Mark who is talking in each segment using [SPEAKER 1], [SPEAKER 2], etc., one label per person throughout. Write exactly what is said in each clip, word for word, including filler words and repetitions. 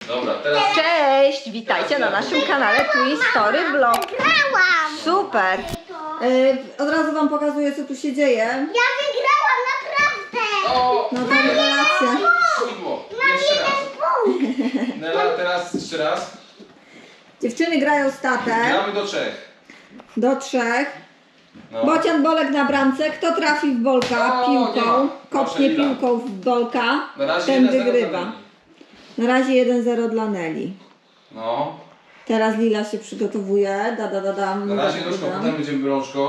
[SPEAKER 1] Dobra, teraz...
[SPEAKER 2] Cześć, witajcie na naszym kanale Twistory Vlog.
[SPEAKER 3] Wygrałam!
[SPEAKER 2] Super. Yy, od razu wam pokazuję, co tu się dzieje.
[SPEAKER 3] Ja wygrałam, naprawdę!
[SPEAKER 1] O!
[SPEAKER 2] No to rewelacja.
[SPEAKER 1] Pudło. Jeszcze raz. Nela, teraz jeszcze raz.
[SPEAKER 2] Dziewczyny grają statek
[SPEAKER 1] Gramy do trzech.
[SPEAKER 2] do trzech.
[SPEAKER 1] No.
[SPEAKER 2] Bocian Bolek na bramce. Kto trafi w Bolka
[SPEAKER 1] O, nie
[SPEAKER 2] piłką,
[SPEAKER 1] ma.
[SPEAKER 2] kopnie
[SPEAKER 1] Proszę, Lila.
[SPEAKER 2] piłką w Bolka,
[SPEAKER 1] Na razie
[SPEAKER 2] ten
[SPEAKER 1] jeden zero
[SPEAKER 2] wygrywa.
[SPEAKER 1] dla Neli.
[SPEAKER 2] Na razie jeden zero dla Neli.
[SPEAKER 1] No.
[SPEAKER 2] Teraz Lila się przygotowuje. Da, da, da, dam.
[SPEAKER 1] Na razie
[SPEAKER 2] da, da,
[SPEAKER 1] nóżką,
[SPEAKER 2] dam.
[SPEAKER 1] potem będziemy rączką.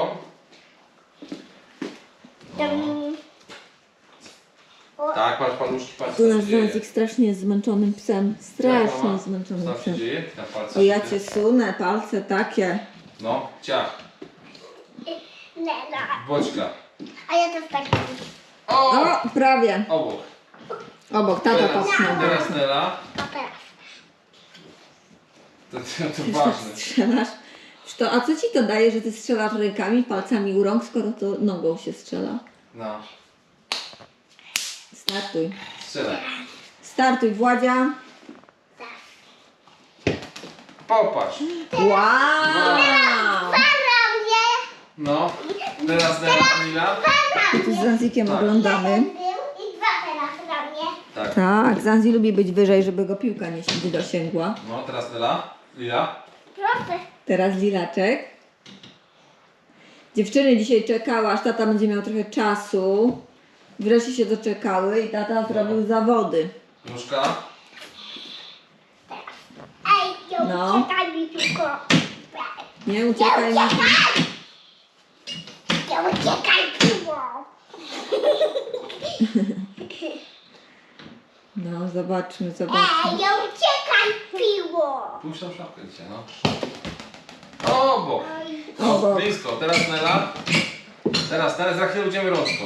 [SPEAKER 1] Tak, patrz paluszki, patrz
[SPEAKER 2] Tu
[SPEAKER 1] co
[SPEAKER 2] nasz
[SPEAKER 1] się dzieje.
[SPEAKER 2] Zązik strasznie jest zmęczonym psem.
[SPEAKER 1] Jak
[SPEAKER 2] Strasznie
[SPEAKER 1] mama?
[SPEAKER 2] zmęczonym
[SPEAKER 1] Co tam się
[SPEAKER 2] psem.
[SPEAKER 1] dzieje? Na palce
[SPEAKER 2] O, ja
[SPEAKER 1] się
[SPEAKER 2] cię
[SPEAKER 1] dzieje.
[SPEAKER 2] sunę, palce takie.
[SPEAKER 1] No, ciach.
[SPEAKER 3] Nela.
[SPEAKER 1] Boćka.
[SPEAKER 3] A ja też tak robię.
[SPEAKER 1] O!
[SPEAKER 2] O, prawie.
[SPEAKER 1] Obok.
[SPEAKER 2] Obok, tata
[SPEAKER 1] Teraz,
[SPEAKER 2] popchnął.
[SPEAKER 1] teraz Nela.
[SPEAKER 3] A teraz.
[SPEAKER 1] To, to, to
[SPEAKER 2] Ty
[SPEAKER 1] ważne.
[SPEAKER 2] strzelasz. Czy to, a co ci to daje, że ty strzelasz rękami, palcami u rąk, skoro to nogą się strzela?
[SPEAKER 1] No.
[SPEAKER 2] Startuj.
[SPEAKER 1] Strzelaj.
[SPEAKER 2] Startuj, Władzia.
[SPEAKER 1] Popatrz.
[SPEAKER 2] Wow!
[SPEAKER 3] Para mnie!
[SPEAKER 1] No. Teraz Nela, Lila.
[SPEAKER 3] Para
[SPEAKER 2] Tu z
[SPEAKER 3] mnie!
[SPEAKER 2] Zanzikiem
[SPEAKER 1] Tak.
[SPEAKER 2] oglądamy.
[SPEAKER 3] Jeden był i dwa teraz na mnie.
[SPEAKER 1] Tak.
[SPEAKER 2] Tak, Zanzi lubi być wyżej, żeby go piłka nie nie dosięgła.
[SPEAKER 1] No, teraz Nela. Lila.
[SPEAKER 3] Proszę.
[SPEAKER 2] Teraz Lilaczek. Dziewczyny dzisiaj czekały, aż tata będzie miał trochę czasu. Wreszcie się doczekały i tata zrobił zawody.
[SPEAKER 1] Nóżka.
[SPEAKER 3] Ej, nie
[SPEAKER 2] No.
[SPEAKER 3] uciekaj mi tylko.
[SPEAKER 2] Nie
[SPEAKER 3] Nie
[SPEAKER 2] uciekaj mi.
[SPEAKER 3] uciekaj! Nie uciekaj piwo!
[SPEAKER 2] No, zobaczmy, zobaczmy.
[SPEAKER 3] Ej, nie uciekaj piwo!
[SPEAKER 1] Pójdź tą szafkę dzisiaj, no. Obok. O,
[SPEAKER 2] Obok.
[SPEAKER 1] blisko. Teraz Nela. Teraz, teraz za chwilę będziemy rączką.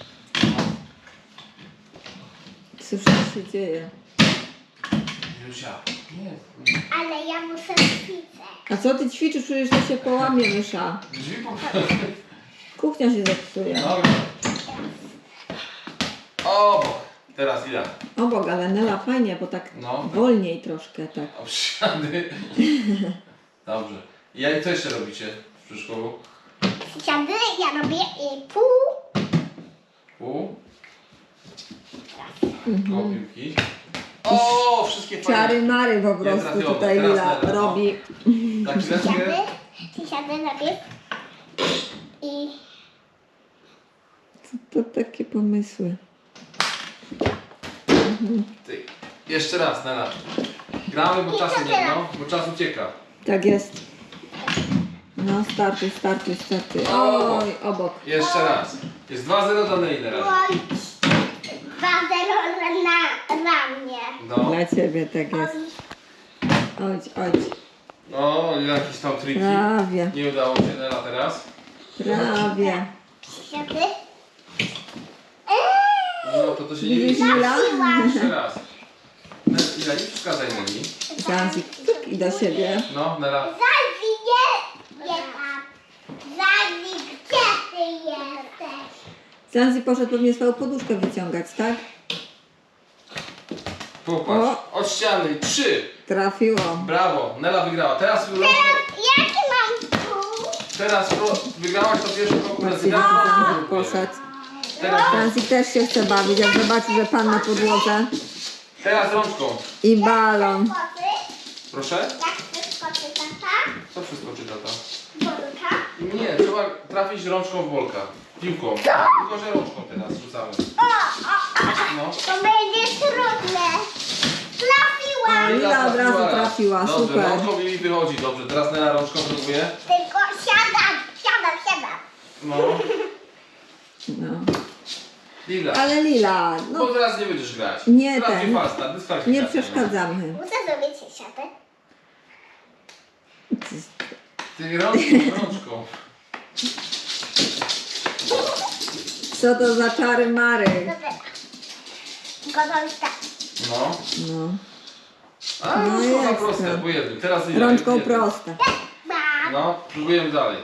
[SPEAKER 2] Cóż tu się dzieje?
[SPEAKER 1] Jusia. Nie.
[SPEAKER 3] Ale ja muszę ćwiczyć.
[SPEAKER 2] A co ty ćwiczysz? Przecież to się połamie mysza.
[SPEAKER 1] Drzwi po...
[SPEAKER 2] Kuchnia się zepsuje.
[SPEAKER 1] Dobra. Obok. Teraz Lila.
[SPEAKER 2] Obok, ale Nela fajnie, bo tak
[SPEAKER 1] No.
[SPEAKER 2] wolniej troszkę, tak.
[SPEAKER 1] O, przysiady. Dobrze. I jak co jeszcze robicie w przedszkolu?
[SPEAKER 3] Siady, ja robię i pół.
[SPEAKER 1] Pół.
[SPEAKER 2] Mhm.
[SPEAKER 1] Koło piłki. O, wszystkie fajne.
[SPEAKER 2] Czary mary po
[SPEAKER 1] Nie
[SPEAKER 2] prostu
[SPEAKER 1] trafione.
[SPEAKER 2] tutaj
[SPEAKER 1] Teraz
[SPEAKER 2] Lila
[SPEAKER 1] Nela, no.
[SPEAKER 2] robi.
[SPEAKER 1] Tak,
[SPEAKER 3] Siady,
[SPEAKER 1] chwileczkę.
[SPEAKER 3] siady robię. I
[SPEAKER 2] Co to takie pomysły?
[SPEAKER 1] Ty. Jeszcze raz, Nela. Gramy, bo
[SPEAKER 3] I
[SPEAKER 1] czas
[SPEAKER 3] co
[SPEAKER 1] nie,
[SPEAKER 3] teraz?
[SPEAKER 1] no, bo czas ucieka.
[SPEAKER 2] Tak jest. No, startuj, startuj, startuj.
[SPEAKER 1] Obok.
[SPEAKER 2] Oj, obok.
[SPEAKER 1] Jeszcze raz. Jest dwa zero dla Neli na razie.
[SPEAKER 3] oj, dwa zero na, na mnie.
[SPEAKER 1] No.
[SPEAKER 2] Dla ciebie tak jest. Oj, oj.
[SPEAKER 1] O, jakieś tam triki.
[SPEAKER 2] Prawie,
[SPEAKER 1] Nie udało się Nela teraz.
[SPEAKER 2] prawie.
[SPEAKER 3] Siady.
[SPEAKER 1] No to to się nie
[SPEAKER 2] Widzisz,
[SPEAKER 1] liczy.
[SPEAKER 2] Lila?
[SPEAKER 1] Jeszcze raz. Ne- Lila, nie przeszkadzaj Neli.
[SPEAKER 2] Zanzik, cyk i do siebie.
[SPEAKER 1] No, Nela.
[SPEAKER 3] Zazi nie, nie tam. Zazi, gdzie ty jesteś?
[SPEAKER 2] Zanzi poszedł pewnie swoją poduszkę wyciągać, tak?
[SPEAKER 1] Popatrz. Od ściany. Trzy.
[SPEAKER 2] Trafiło.
[SPEAKER 1] Brawo. Nela wygrała. Teraz,
[SPEAKER 3] Teraz jaki mam pół?
[SPEAKER 1] teraz ro- wygrałaś to pierwszą konkurencję.
[SPEAKER 2] Zobaczcie,
[SPEAKER 1] Teraz
[SPEAKER 2] jak
[SPEAKER 1] rączką
[SPEAKER 2] Zanzik
[SPEAKER 1] próbuję.
[SPEAKER 2] poszedł.
[SPEAKER 1] Teraz,
[SPEAKER 2] Zanzik też się chce bawić, jak zobaczy, że pan na podłodze.
[SPEAKER 1] teraz rączką.
[SPEAKER 2] I balon.
[SPEAKER 3] Koty?
[SPEAKER 1] Proszę.
[SPEAKER 3] Jak chcesz koty, tata?
[SPEAKER 1] Co wszystko czyta to?
[SPEAKER 3] Bolka?
[SPEAKER 1] Nie, trzeba trafić rączką w bolka. Piłką. Tylko, że rączką teraz rzucamy.
[SPEAKER 3] O, o, o.
[SPEAKER 1] No.
[SPEAKER 3] To będzie trudne. Trafiłam.
[SPEAKER 2] Lila od razu trafiła,
[SPEAKER 1] Dobrze,
[SPEAKER 2] super.
[SPEAKER 1] rączką mi wychodzi. Dobrze, teraz Nela rączką próbuje.
[SPEAKER 3] Tylko siadam, siadam, siadam.
[SPEAKER 1] No.
[SPEAKER 2] No.
[SPEAKER 1] Lila.
[SPEAKER 2] Ale Lila,
[SPEAKER 1] Bo
[SPEAKER 2] no
[SPEAKER 1] teraz nie będziesz grać.
[SPEAKER 2] Nie,
[SPEAKER 1] teraz
[SPEAKER 2] ten.
[SPEAKER 1] nie fasta, dyskwalifikacja.
[SPEAKER 2] nie przeszkadzamy.
[SPEAKER 3] Muszę zrobić siadę.
[SPEAKER 1] Ty rączką, rączką.
[SPEAKER 2] Co to za czary mary?
[SPEAKER 3] Dobra. Gotowy tak.
[SPEAKER 1] No.
[SPEAKER 2] No.
[SPEAKER 1] A,
[SPEAKER 2] No
[SPEAKER 1] rączką na
[SPEAKER 2] jest,
[SPEAKER 1] proste,
[SPEAKER 2] no.
[SPEAKER 1] po jednym. Teraz Lila.
[SPEAKER 2] Rączką
[SPEAKER 1] jednym.
[SPEAKER 2] proste.
[SPEAKER 3] Mam.
[SPEAKER 1] No, próbujemy dalej.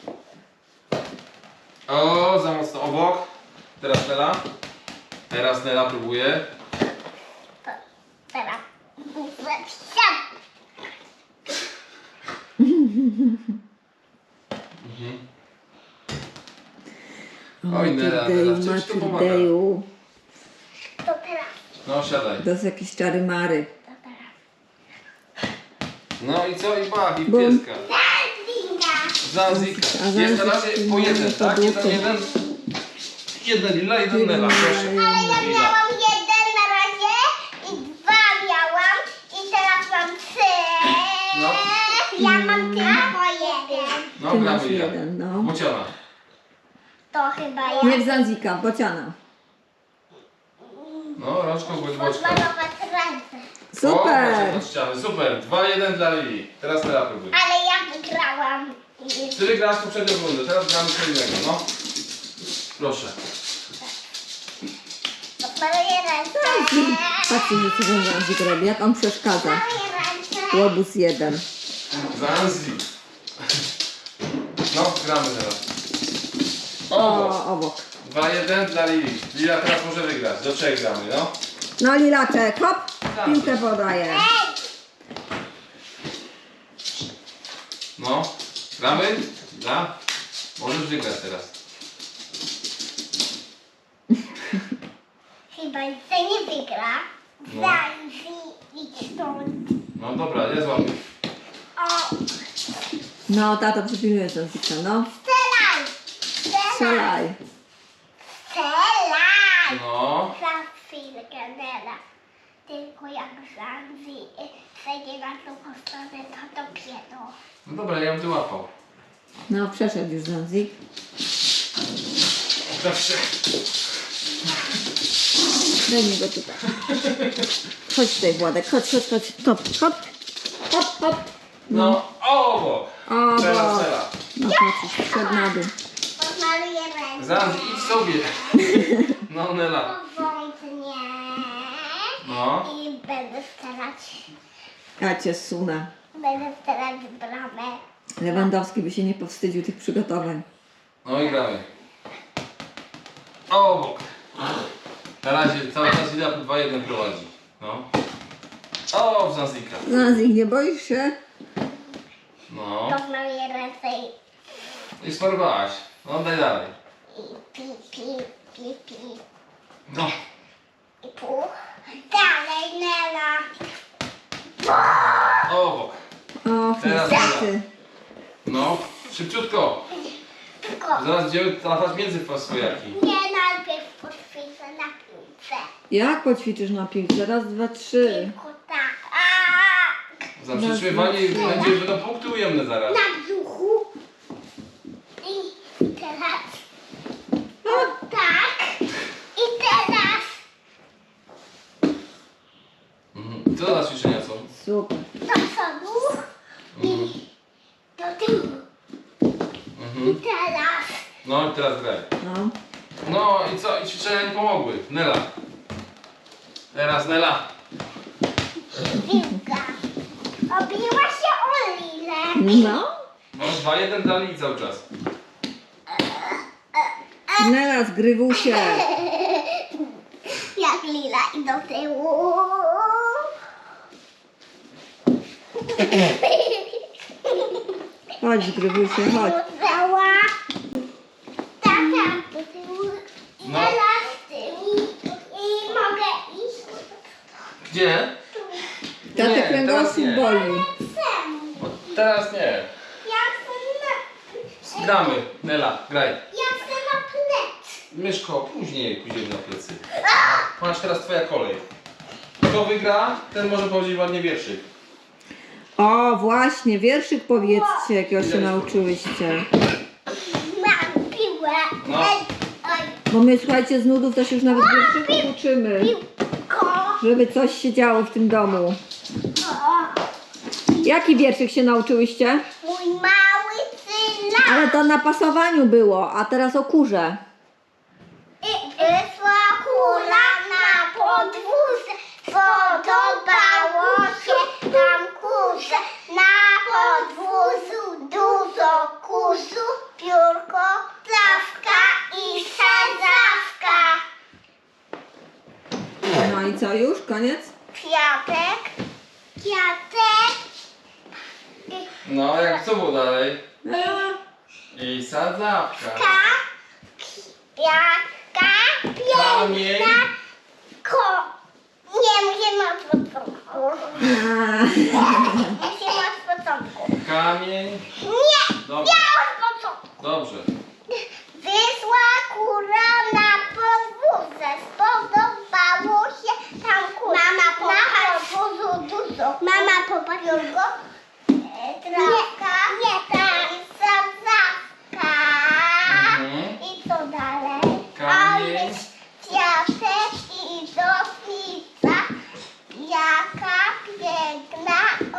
[SPEAKER 1] O, za mocno obok. Teraz Nela. Teraz Nela próbuje.
[SPEAKER 3] Teraz.
[SPEAKER 1] Oj, Nela, Nela, w czymś to pomaga.
[SPEAKER 2] Matyrdeju.
[SPEAKER 3] To teraz,
[SPEAKER 1] No, siadaj.
[SPEAKER 2] To jest jakieś czary mary.
[SPEAKER 3] to teraz.
[SPEAKER 1] No i co? I bach, i
[SPEAKER 2] Bum.
[SPEAKER 1] pieska.
[SPEAKER 3] Zanzika.
[SPEAKER 1] Zanzika.
[SPEAKER 2] A
[SPEAKER 1] Jest na
[SPEAKER 2] Zanzik
[SPEAKER 1] razie po jeden, tak? Jeden,
[SPEAKER 2] podłużny.
[SPEAKER 1] jeden. Jeden lila, jeden
[SPEAKER 2] Jeden
[SPEAKER 1] Nela, proszę.
[SPEAKER 2] lila,
[SPEAKER 3] Ale ja
[SPEAKER 1] Lila.
[SPEAKER 3] miałam jeden na razie i dwa miałam i teraz mam trzy.
[SPEAKER 1] No.
[SPEAKER 3] Ja mam tylko jeden.
[SPEAKER 1] No,
[SPEAKER 2] Ty
[SPEAKER 1] gramy
[SPEAKER 2] masz
[SPEAKER 1] Lila.
[SPEAKER 2] jeden, no.
[SPEAKER 1] Bociana.
[SPEAKER 3] To chyba ja.
[SPEAKER 2] Nie w Zanzika, bociana.
[SPEAKER 1] No, rączką bądź boczka.
[SPEAKER 3] Odmalować ręce.
[SPEAKER 2] Super!
[SPEAKER 1] O, od ściany. Super, dwa jeden dla Lili. Teraz Nela próbuje.
[SPEAKER 3] Ale ja wygrałam.
[SPEAKER 1] Ty wygrałaś poprzednią rundę, teraz gramy co innego, no. Proszę.
[SPEAKER 3] Odmaluję ręce.
[SPEAKER 2] Patrzcie, co ten Zanzik robi, jak on przeszkadza.
[SPEAKER 3] Odmaluję ręce.
[SPEAKER 2] Łobuz jeden.
[SPEAKER 1] Zanzik. No, gramy teraz. O,
[SPEAKER 2] O, obok.
[SPEAKER 1] dwa jeden dla Lili. Lila teraz może wygrać. Do trzech gramy, no.
[SPEAKER 2] No Lilaczek, hop, piłkę podaje.
[SPEAKER 1] No, gramy? Dla? Możesz wygrać teraz.
[SPEAKER 3] Chyba to nie wygra.
[SPEAKER 1] No.
[SPEAKER 3] Zanzi, idź stąd.
[SPEAKER 1] No dobra, ja złapię.
[SPEAKER 3] O,
[SPEAKER 2] No, tato przypilnuje Zanzika, no.
[SPEAKER 3] strzelaj. Strzelaj.
[SPEAKER 2] Strzelaj.
[SPEAKER 3] Strzelaj.
[SPEAKER 1] No.
[SPEAKER 3] Za chwilkę, Nela. Tylko jak Zanzi przejdzie na drugą stronę, to dopiero.
[SPEAKER 1] No dobra, ja bym wyłapał.
[SPEAKER 2] No, przeszedł już Zanzik.
[SPEAKER 1] Zawsze.
[SPEAKER 2] Daj mi go tutaj. Chodź tutaj, Władek, chodź, chodź, chodź. Hop, hop, hop, hop.
[SPEAKER 1] No, o!
[SPEAKER 2] O,
[SPEAKER 1] Teraz
[SPEAKER 2] bo.
[SPEAKER 1] Nela.
[SPEAKER 2] No patrz, wszedł na dół.
[SPEAKER 3] Odmaluję ręce.
[SPEAKER 1] Zanzi, idź sobie. No, Nela.
[SPEAKER 3] Powątnie.
[SPEAKER 1] No.
[SPEAKER 3] I będę strzelać.
[SPEAKER 2] Ja cię sunę.
[SPEAKER 3] Będę strzelać w bramę.
[SPEAKER 2] Lewandowski by się nie powstydził tych przygotowań.
[SPEAKER 1] No i gramy. O, bok. Na razie cały czas Lila dwa jeden prowadzi. No. O, w Zanzika.
[SPEAKER 2] Zanzik, nie boisz się?
[SPEAKER 1] No.
[SPEAKER 3] Odmaluję ręce i,
[SPEAKER 1] I smarowałaś. No, daj dalej.
[SPEAKER 3] i pi, pi, pi, pi.
[SPEAKER 1] No.
[SPEAKER 3] I pół. Dalej, Nela.
[SPEAKER 1] O, bok.
[SPEAKER 2] Och,
[SPEAKER 1] Teraz
[SPEAKER 2] niestety.
[SPEAKER 1] No. Szybciutko.
[SPEAKER 3] Tylko
[SPEAKER 1] Zaraz będziemy trafiać między fosfojaki.
[SPEAKER 3] nie najpierw poćwiczę na piłce.
[SPEAKER 2] Jak poćwiczysz na piłce? Raz, dwa, trzy.
[SPEAKER 3] Tylko tak. A,
[SPEAKER 1] Za przytrzymywanie będzie, będą punkty ujemne zaraz.
[SPEAKER 3] na brzuchu. I teraz. O tak. I teraz.
[SPEAKER 1] Mhm. Co za ćwiczenia są?
[SPEAKER 2] Super.
[SPEAKER 3] Do przodu.
[SPEAKER 1] Mhm.
[SPEAKER 3] Do tyłu. I
[SPEAKER 1] Mhm.
[SPEAKER 3] teraz.
[SPEAKER 1] No i teraz graj.
[SPEAKER 2] No.
[SPEAKER 1] No i co? I ćwiczenia nie pomogły. Nela. Teraz Nela.
[SPEAKER 3] Piłka. Obiła się o Lilę.
[SPEAKER 2] No.
[SPEAKER 1] No dwa jeden dali cały czas.
[SPEAKER 2] Nela, zgrywu się.
[SPEAKER 3] Jak Lila i do tyłu.
[SPEAKER 2] Chodź, zgrywu się, chodź.
[SPEAKER 3] Cała. Tata do tyłu. I
[SPEAKER 1] No.
[SPEAKER 3] teraz z tyłu. I mogę iść.
[SPEAKER 1] Gdzie?
[SPEAKER 2] Tatę
[SPEAKER 1] Nie, teraz
[SPEAKER 2] kręgosłup
[SPEAKER 1] nie.
[SPEAKER 2] boli.
[SPEAKER 3] Chcę.
[SPEAKER 1] O, teraz nie.
[SPEAKER 3] Ja chcę na...
[SPEAKER 1] Gramy. Nela, graj.
[SPEAKER 3] Ja chcę na plec.
[SPEAKER 1] Myszko, później pójdziemy na plecy. Masz teraz twoja kolej. Kto wygra, ten może powiedzieć ładnie wierszyk.
[SPEAKER 2] O, właśnie, wierszyk powiedzcie, jakiego się nauczyłyście.
[SPEAKER 3] Mam piłę.
[SPEAKER 1] No.
[SPEAKER 3] Ej, oj,
[SPEAKER 2] Bo my, słuchajcie, z nudów też już nawet wierszyków uczymy.
[SPEAKER 3] piłko.
[SPEAKER 2] Żeby coś się działo w tym domu.
[SPEAKER 3] O,
[SPEAKER 2] Jaki wierszyk się nauczyłyście?
[SPEAKER 3] mój mały syna.
[SPEAKER 2] Ale to na pasowaniu było, a teraz o kurze.
[SPEAKER 3] I wyszła kula na podwórze. Podobało się tam kurze. Na podwórzu dużo kurzu. Piórko, trawka i sadzawka.
[SPEAKER 2] No i co, już? Koniec?
[SPEAKER 3] Kwiatek kwiatek.
[SPEAKER 1] No, jak co było dalej?
[SPEAKER 2] A,
[SPEAKER 1] I sadzawka.
[SPEAKER 3] Ka, kwiatka,
[SPEAKER 1] Kamień.
[SPEAKER 3] piękna, ko... Nie, musimy od początku.
[SPEAKER 2] a.
[SPEAKER 3] Musimy od początku.
[SPEAKER 1] Kamień.
[SPEAKER 3] Nie,
[SPEAKER 1] Dobrze.
[SPEAKER 3] ja od początku.
[SPEAKER 1] Dobrze.
[SPEAKER 3] Wyszła kura na podwórze. Spodobało się tam kura. Mama popatrz. Na podwórzu dużo. Mama popatrz. Jurgo. Trawka. Nie, tak. I sadzawka.
[SPEAKER 1] Mhm.
[SPEAKER 3] I co dalej?
[SPEAKER 1] Kamień.
[SPEAKER 3] A jest kwiatek i dotnica. Jaka piękna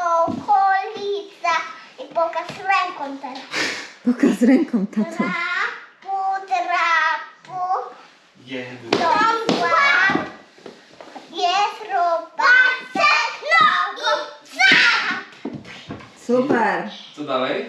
[SPEAKER 3] okolica. I pokaż ręką teraz.
[SPEAKER 2] Pokaż ręką, tato.
[SPEAKER 3] Trapu, trapu,
[SPEAKER 1] Jeden.
[SPEAKER 3] dąbła, jest robaczek, nogą, trap.
[SPEAKER 2] Super.
[SPEAKER 1] Co dalej?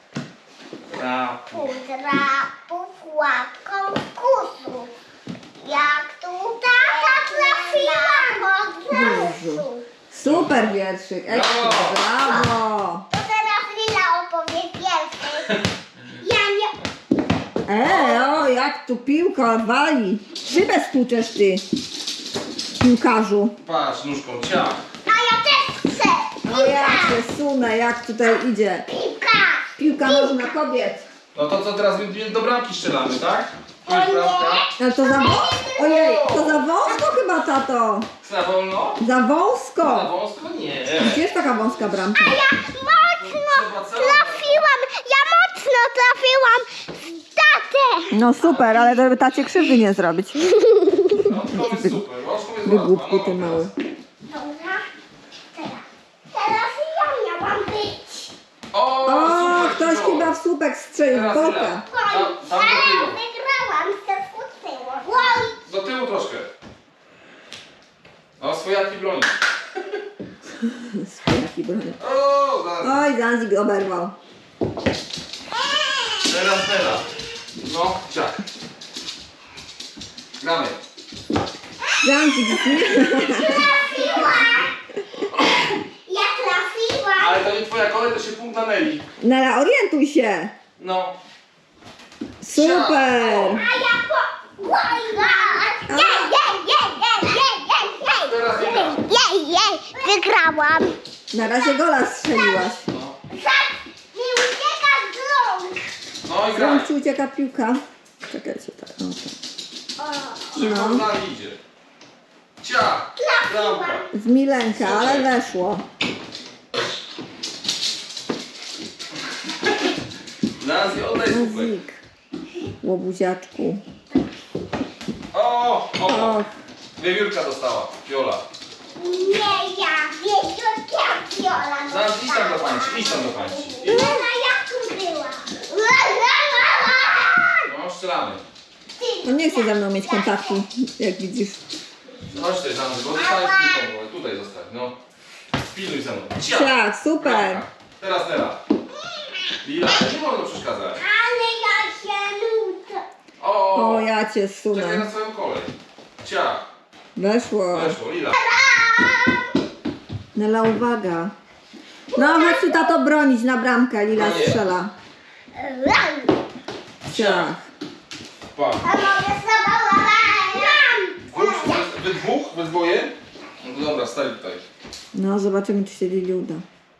[SPEAKER 1] Trapu.
[SPEAKER 3] Trapu, trapu, łapką kusu. Jak tu tata trafiła od razu.
[SPEAKER 2] Super wierszyk. Ekstra, brawo.
[SPEAKER 3] To teraz Lila opowie pierwszy. Ja nie...
[SPEAKER 2] E, o, jak tu piłka wali. Szybę stłuczesz ty, piłkarzu.
[SPEAKER 1] Patrz, nóżką ciach.
[SPEAKER 3] A ja też chcę.
[SPEAKER 2] O, ja się sunę, jak tutaj idzie.
[SPEAKER 3] Piłka.
[SPEAKER 2] Piłka nożna kobiet.
[SPEAKER 1] No to co teraz my do bramki strzelamy, tak? Tu
[SPEAKER 3] O
[SPEAKER 1] jest
[SPEAKER 3] nie.
[SPEAKER 1] bramka.
[SPEAKER 2] Ale to za wąsko? Ojej, to za wąsko chyba, tato.
[SPEAKER 1] Za wolno?
[SPEAKER 2] Za
[SPEAKER 1] Za
[SPEAKER 2] wąsko.
[SPEAKER 1] wąsko? Nie.
[SPEAKER 2] Gdzie jest taka wąska bramka?
[SPEAKER 3] Ja mocno trafiłam. Ja mocno trafiłam w tatę.
[SPEAKER 2] No super, ale żeby tacie krzywdy nie zrobić.
[SPEAKER 1] No to jest super. Wąsko jest
[SPEAKER 2] Wygłupku
[SPEAKER 1] łatwa.
[SPEAKER 2] ty
[SPEAKER 1] No,
[SPEAKER 2] mały.
[SPEAKER 3] Dobra. Teraz. Teraz ja miałam być.
[SPEAKER 1] O,
[SPEAKER 2] O,
[SPEAKER 1] super,
[SPEAKER 2] ktoś
[SPEAKER 1] super.
[SPEAKER 2] chyba w słupek strzelił w
[SPEAKER 1] Teraz
[SPEAKER 2] boka.
[SPEAKER 1] Lila. Tam, tam do
[SPEAKER 3] Ale
[SPEAKER 1] tyłu.
[SPEAKER 3] wygrałam. Się skutczyło. Wow.
[SPEAKER 1] Do tyłu troszkę. O, swojaki broni.
[SPEAKER 2] Swojaki broni.
[SPEAKER 1] O, zaraz.
[SPEAKER 2] Oj, Zanzik oberwał.
[SPEAKER 1] Teraz, teraz. No, ciach. Gramy.
[SPEAKER 2] Zanzik
[SPEAKER 3] Trafiłam. Ja trafiłam.
[SPEAKER 1] Ale to nie twoja kolej, to się punkt na Neli.
[SPEAKER 2] Nela, orientuj się.
[SPEAKER 1] No.
[SPEAKER 2] Super.
[SPEAKER 3] A ja po... Wow. Jej, jej, jej, jej, jej, jej,
[SPEAKER 1] Teraz Lila.
[SPEAKER 3] jej. Jej, jej. Wygrałam.
[SPEAKER 2] Na razie gola strzeliłaś.
[SPEAKER 1] No.
[SPEAKER 3] Tak, nie ucieka z rąk.
[SPEAKER 1] No i
[SPEAKER 2] Z
[SPEAKER 1] graj.
[SPEAKER 2] rąk ci ucieka piłka. Czekajcie, tak. O, tak.
[SPEAKER 1] Szybko
[SPEAKER 2] No.
[SPEAKER 1] z nami idzie. Ciach. Bramka.
[SPEAKER 2] Z Milenka, ale weszło.
[SPEAKER 1] Nazwi, oddaj słupek.
[SPEAKER 2] Zanzik. Łobuziaczku.
[SPEAKER 1] O, o.
[SPEAKER 2] Och,
[SPEAKER 1] Wiewiórka dostała. Viola.
[SPEAKER 3] Nie ja, wiecie, jak Viola
[SPEAKER 1] Zaraz idź tam do pańci, idź tam do pańci.
[SPEAKER 3] Lena, jak tu była?
[SPEAKER 1] No, strzelamy.
[SPEAKER 2] on nie chce ze mną mieć kontaktu, jak widzisz.
[SPEAKER 1] Chodź tutaj za mną, bo zostałeś piłką, bo tutaj zostań, no. Pilnuj ze mną. Ciach.
[SPEAKER 2] Ciach, super.
[SPEAKER 1] Bramka. Teraz Nela. Lila, nie wolno przeszkadzać.
[SPEAKER 3] Ale ja się nudzę.
[SPEAKER 1] O,
[SPEAKER 2] O, ja cię
[SPEAKER 1] czekaj
[SPEAKER 2] sunę.
[SPEAKER 1] na swoją kolej. Ciach.
[SPEAKER 2] Weszło.
[SPEAKER 1] Weszło, Lila.
[SPEAKER 2] Nela, uwaga. No, chodź tu, tato, bronić na bramkę. Lila
[SPEAKER 1] No nie.
[SPEAKER 2] strzela. Ciach.
[SPEAKER 1] Pa.
[SPEAKER 3] A mogę zabawić?
[SPEAKER 1] Dwóch, wy, wy dwóch? Wy dwoje? No to dobra, stali tutaj.
[SPEAKER 2] No, zobaczymy, czy się Lili uda.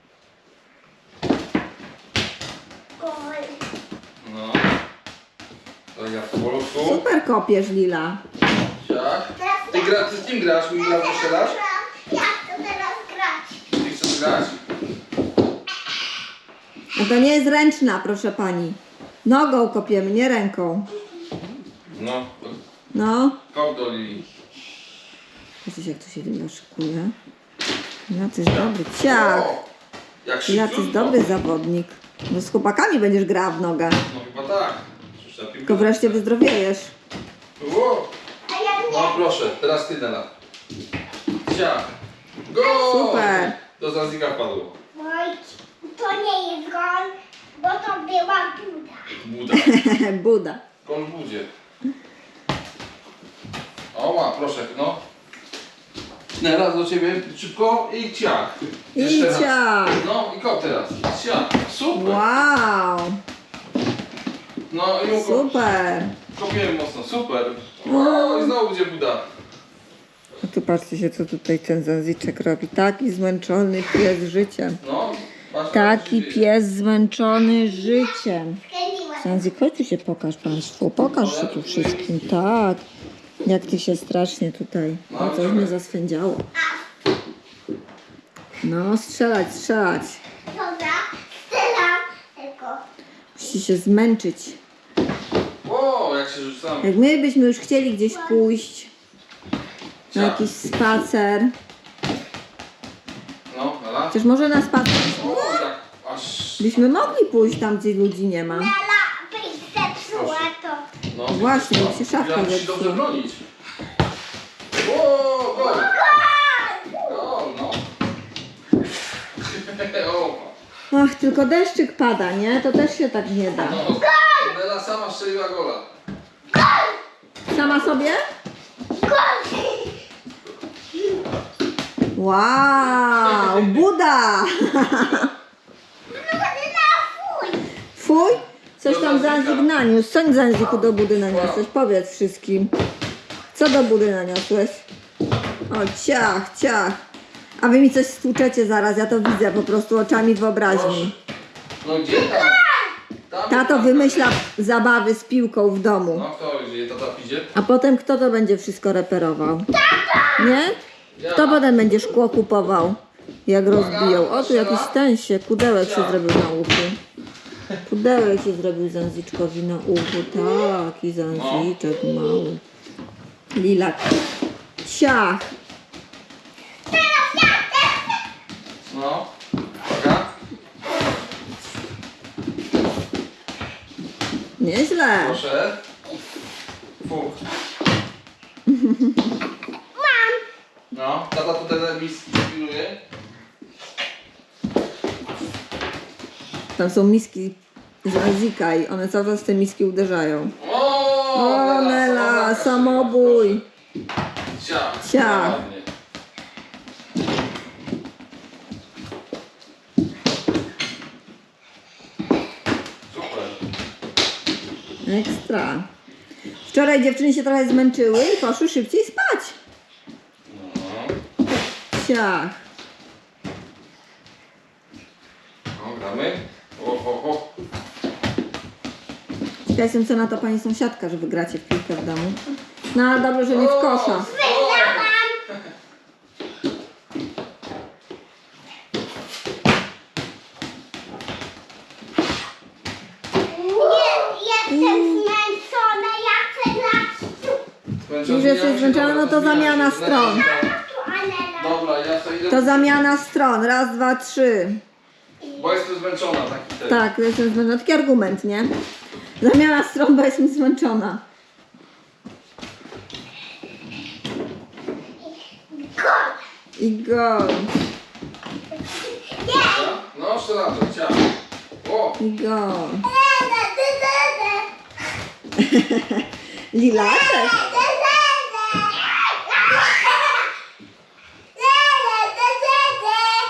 [SPEAKER 1] No. To ja po prostu.
[SPEAKER 2] Super kopiesz, Lila.
[SPEAKER 1] Ciach. Ty, gra, ty z kim grasz? Mi gra strzelasz?
[SPEAKER 3] Ja chcę teraz grać.
[SPEAKER 1] Ty chcesz grać?
[SPEAKER 2] No to nie jest ręczna, proszę pani. Nogą kopiemy, nie ręką.
[SPEAKER 1] No, to
[SPEAKER 2] No.
[SPEAKER 1] kop do Lili.
[SPEAKER 2] Widzisz, jak to się Lila szykuje? Lila, ty jest dobry. Ciach.
[SPEAKER 1] O, jak
[SPEAKER 2] Lila, ty jest
[SPEAKER 1] szybciutko.
[SPEAKER 2] dobry zawodnik. No z chłopakami będziesz grała w nogę.
[SPEAKER 1] No chyba tak. Przecież ta piłka-
[SPEAKER 2] Tylko wreszcie wyzdrowiejesz.
[SPEAKER 1] Ło.
[SPEAKER 3] A ja nie.
[SPEAKER 1] No proszę, teraz ty Nela. Ciach. Go!
[SPEAKER 2] Super.
[SPEAKER 1] Do Zanzika wpadło.
[SPEAKER 3] Oj, to nie jest gol, bo to była Buda.
[SPEAKER 1] Buda.
[SPEAKER 2] Buda.
[SPEAKER 1] Kon w budzie. Oła, proszę, no. Teraz do ciebie szybko i ciach.
[SPEAKER 2] I
[SPEAKER 1] Jeszcze raz.
[SPEAKER 2] ciach.
[SPEAKER 1] No i kop teraz. Ciach. Super.
[SPEAKER 2] Wow,
[SPEAKER 1] No i ukop.
[SPEAKER 2] super.
[SPEAKER 1] Kopiemy mocno. Super. O, i znowu będzie Buda.
[SPEAKER 2] A tu patrzcie się, co tutaj ten Zanziczek robi. Taki zmęczony pies życiem.
[SPEAKER 1] No. patrz,
[SPEAKER 2] Taki
[SPEAKER 1] co się dzieje.
[SPEAKER 2] pies zmęczony życiem.
[SPEAKER 3] Skręciłem.
[SPEAKER 2] Zanzik, chodź tu się pokaż Państwu. Pokaż się tu wszystkim. Tak. Jak Ty się strasznie tutaj. No coś mnie zaswędziało. No, strzelać, strzelać.
[SPEAKER 3] Dobra, strzelam. Tylko.
[SPEAKER 2] Musi się zmęczyć.
[SPEAKER 1] O, jak się rzucamy.
[SPEAKER 2] Jak my byśmy już chcieli gdzieś pójść na
[SPEAKER 1] Ciach.
[SPEAKER 2] jakiś spacer.
[SPEAKER 1] No, dobra.
[SPEAKER 2] Chociaż może na spacer
[SPEAKER 1] O, jak aż.
[SPEAKER 2] byśmy mogli pójść tam, gdzie ludzi nie ma.
[SPEAKER 3] Nela byś zepsuła to.
[SPEAKER 1] No,
[SPEAKER 2] Właśnie,
[SPEAKER 1] no.
[SPEAKER 2] jak się szafka
[SPEAKER 1] Ja musi
[SPEAKER 2] zepsuje.
[SPEAKER 1] dobrze bronić. O, gol. Gol, no. o,
[SPEAKER 2] Ach, tylko deszczyk pada, nie? To też się tak nie da.
[SPEAKER 1] no. Nela sama strzeliła gola.
[SPEAKER 2] Sama sobie? Wow, Buda! Fuj? Coś tam Zanzik naniósł. Co Zanziku do Budy naniosłeś? Powiedz wszystkim. Co do Budy naniosłeś? O, ciach, ciach. A wy mi coś stłuczecie zaraz, ja to widzę po prostu oczami wyobraźni.
[SPEAKER 1] No gdzie tam? Tam
[SPEAKER 2] Tato
[SPEAKER 1] tam.
[SPEAKER 2] wymyśla zabawy z piłką w domu.
[SPEAKER 1] No kto gdzie? Tata idzie?
[SPEAKER 2] A potem kto to będzie wszystko reperował? Nie?
[SPEAKER 1] Ja.
[SPEAKER 2] Kto potem będzie szkło kupował? Jak rozbiją. O, tu jakiś ten się, kudełek się zrobił na uchu. Pudełek się zrobił Zanziczkowi na uchu. Taki Zanziczek mały. Lilak. Ciach.
[SPEAKER 1] No. Uwaga.
[SPEAKER 2] Nieźle.
[SPEAKER 1] Proszę. Fu. No, tata tutaj na miski pilnuje.
[SPEAKER 2] Tam są miski Zanzika i one cały czas w te miski uderzają.
[SPEAKER 1] O,
[SPEAKER 2] O, Nela, samobój.
[SPEAKER 1] Ciach.
[SPEAKER 2] Ciach.
[SPEAKER 1] Ładnie. Super.
[SPEAKER 2] Ekstra. Wczoraj dziewczyny się trochę zmęczyły i poszły szybciej spać.
[SPEAKER 1] No.
[SPEAKER 2] Ciach.
[SPEAKER 1] No, gramy. O, o, o.
[SPEAKER 2] Ja jestem co na to pani sąsiadka, że wygracie w piłkę w domu. No ale dobrze, że nie w kosza.
[SPEAKER 3] Nie, jestem zmęczona, ja chcę grać tu.
[SPEAKER 2] Już jesteś zmęczona, no to zamiana stron.
[SPEAKER 3] Tu, Anela.
[SPEAKER 1] Dobra, ja sobie idę.
[SPEAKER 2] To zamiana stron. Raz, dwa, trzy.
[SPEAKER 1] Bo jestem zmęczona, taki ten.
[SPEAKER 2] Tak, jestem zmęczona. Taki argument, nie? Zamiana stron, bo jestem zmęczona.
[SPEAKER 3] Gol.
[SPEAKER 2] I gol.
[SPEAKER 1] Dobra? No, jeszcze raz, ciach. O,
[SPEAKER 2] I gol.
[SPEAKER 3] Lele, dy, dy, dy.
[SPEAKER 2] Lilaczek.
[SPEAKER 3] Dy, dy, dy. Lele, dy, dy,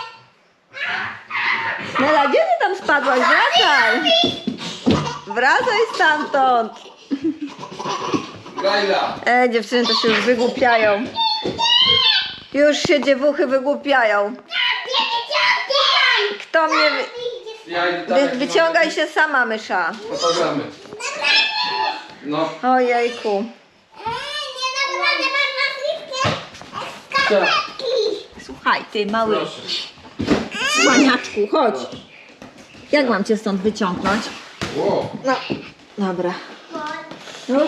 [SPEAKER 3] dy.
[SPEAKER 2] Nela, gdzie ty tam spadłaś? Wracaj. Wracaj stamtąd.
[SPEAKER 1] Grajla.
[SPEAKER 2] E, dziewczyny to się już wygłupiają. Już się dziewuchy wygłupiają. Kto mnie... Wy...
[SPEAKER 1] Ja idę tam,
[SPEAKER 2] Wy,
[SPEAKER 1] jak
[SPEAKER 2] wyciągaj się sama, mysza.
[SPEAKER 1] No to gramy. No.
[SPEAKER 2] Ojejku.
[SPEAKER 3] Nie naprawdę masz na
[SPEAKER 1] Tak.
[SPEAKER 3] skarpetki.
[SPEAKER 2] Słuchaj, ty mały
[SPEAKER 1] Proszę.
[SPEAKER 2] słaniaczku, chodź. Jak mam cię stąd wyciągnąć?
[SPEAKER 1] Ło.
[SPEAKER 2] No, dobra. No.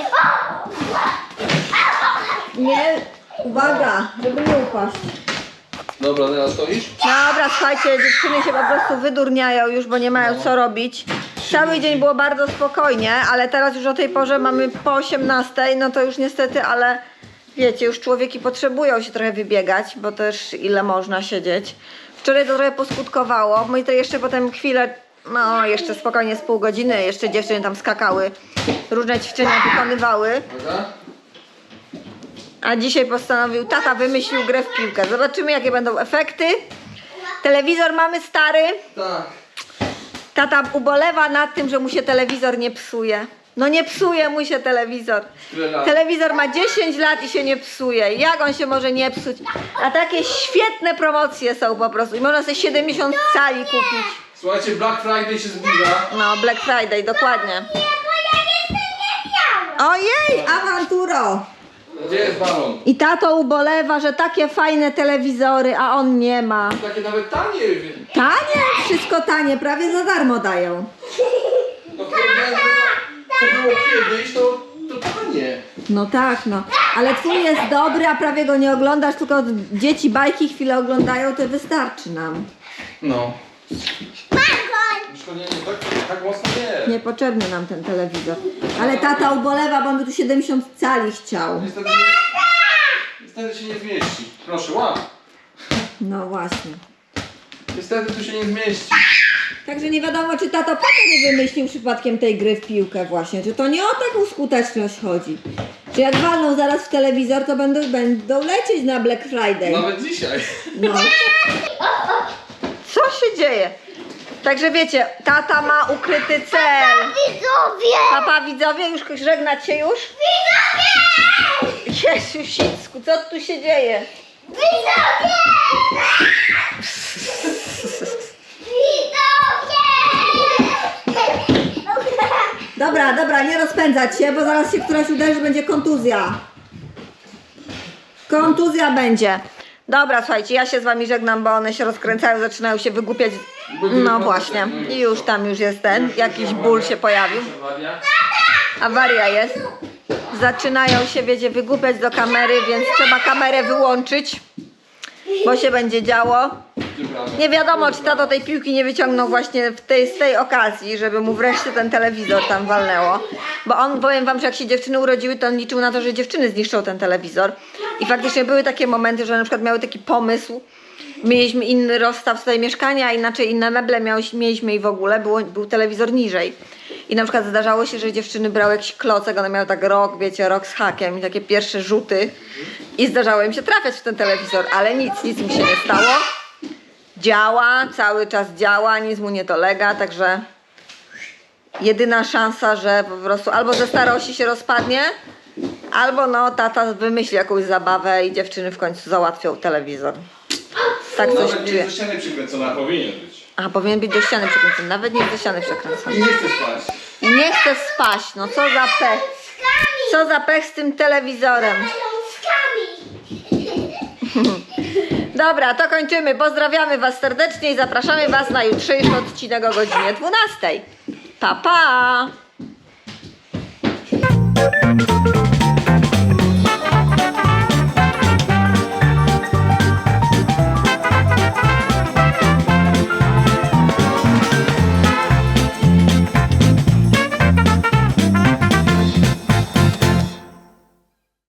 [SPEAKER 2] Nie, uwaga, żeby nie upaść.
[SPEAKER 1] Dobra, teraz stoisz?
[SPEAKER 2] Dobra, słuchajcie, dziewczyny się po prostu wydurniają już, bo nie mają co robić. Cały dzień było bardzo spokojnie, ale teraz już o tej porze mamy po osiemnastej, no to już niestety, ale wiecie, już człowieki potrzebują się trochę wybiegać, bo też ile można siedzieć. Wczoraj to trochę poskutkowało, my to jeszcze potem chwilę, no jeszcze spokojnie z pół godziny, jeszcze dziewczyny tam skakały, różne ćwiczenia wykonywały.
[SPEAKER 1] Uwaga.
[SPEAKER 2] A dzisiaj postanowił, tata wymyślił grę w piłkę. Zobaczymy, jakie będą efekty. Telewizor mamy stary.
[SPEAKER 1] Tak.
[SPEAKER 2] Tata ubolewa nad tym, że mu się telewizor nie psuje. No nie psuje mu się telewizor.
[SPEAKER 1] Tyle lat.
[SPEAKER 2] Telewizor ma dziesięć lat i się nie psuje. Jak on się może nie psuć? A takie świetne promocje są po prostu. I można sobie siedemdziesiąt cali kupić.
[SPEAKER 1] Słuchajcie, Black Friday się zbliża.
[SPEAKER 2] No, Black Friday, dokładnie.
[SPEAKER 3] Nie, bo ja jeszcze nie miałam.
[SPEAKER 2] Ojej, awanturo!
[SPEAKER 1] Gdzie jest balon?
[SPEAKER 2] I tato ubolewa, że takie fajne telewizory, a on nie ma.
[SPEAKER 1] Takie nawet tanie.
[SPEAKER 2] Tanie? Wszystko tanie, prawie za darmo dają.
[SPEAKER 1] To porównanie, co było kiedyś, to, to tanie.
[SPEAKER 2] No tak, no. Ale twój jest dobry, a prawie go nie oglądasz, tylko dzieci bajki chwilę oglądają, to wystarczy nam.
[SPEAKER 1] No.
[SPEAKER 3] Balon.
[SPEAKER 1] Już to nie, nie tak, tak mocno nie.
[SPEAKER 2] Niepotrzebny nam ten telewizor. Ale tata ubolewa, bo on by tu siedemdziesiąt cali chciał.
[SPEAKER 1] Niestety, nie, niestety się nie zmieści. Proszę, łap.
[SPEAKER 2] No właśnie.
[SPEAKER 1] Niestety tu się nie zmieści.
[SPEAKER 2] Także nie wiadomo, czy tato po co nie wymyślił przypadkiem tej gry w piłkę właśnie. Czy to nie o taką skuteczność chodzi. Czy jak walną zaraz w telewizor, to będą, będą lecieć na Black Friday.
[SPEAKER 1] Nawet dzisiaj.
[SPEAKER 2] No. Co się dzieje? Także wiecie, tata ma ukryty cel.
[SPEAKER 3] Widzowie.
[SPEAKER 2] Papa widzowie, już żegnać się już?
[SPEAKER 3] Widzowie.
[SPEAKER 2] Jezus, co tu się dzieje?
[SPEAKER 3] Widzowie. Widzowie.
[SPEAKER 2] Dobra, dobra, nie rozpędzać się, bo zaraz się któraś uderzy, będzie kontuzja. Kontuzja będzie. Dobra, słuchajcie, ja się z wami żegnam, bo one się rozkręcają, zaczynają się wygłupiać. No właśnie, i już tam już jest ten, jakiś ból się pojawił. Awaria jest. Zaczynają się, wiecie, wygłupiać do kamery, więc trzeba kamerę wyłączyć, bo się będzie działo. Nie wiadomo, czy tato tej piłki nie wyciągnął właśnie w tej, z tej okazji, żeby mu wreszcie ten telewizor tam walnęło. Bo on, powiem wam, że jak się dziewczyny urodziły, to on liczył na to, że dziewczyny zniszczą ten telewizor. I faktycznie były takie momenty, że na przykład miały taki pomysł, mieliśmy inny rozstaw swojego mieszkania, a inaczej inne meble miałyśmy, mieliśmy i w ogóle było, był telewizor niżej. I na przykład zdarzało się, że dziewczyny brały jakiś klocek, one miały tak rok, wiecie, rok z hakiem i takie pierwsze rzuty. I zdarzało im się trafiać w ten telewizor, ale nic, nic mu się nie stało. Działa, cały czas działa, nic mu nie dolega, także jedyna szansa, że po prostu albo ze starości się rozpadnie, albo no tata wymyśli jakąś zabawę i dziewczyny w końcu załatwią telewizor. Tak coś
[SPEAKER 1] Nawet nie
[SPEAKER 2] czuję.
[SPEAKER 1] jest do ściany przykręcona, powinien być.
[SPEAKER 2] A powinien być do ściany przykręcony, nawet nie jest do ściany przykręcony.
[SPEAKER 1] I nie chce spać.
[SPEAKER 2] Nie chcę spać, no co za pech. Co za pech z tym telewizorem. Dobra, to kończymy. Pozdrawiamy was serdecznie i zapraszamy was na jutrzejszy odcinek o godzinie dwunastej. Pa, pa!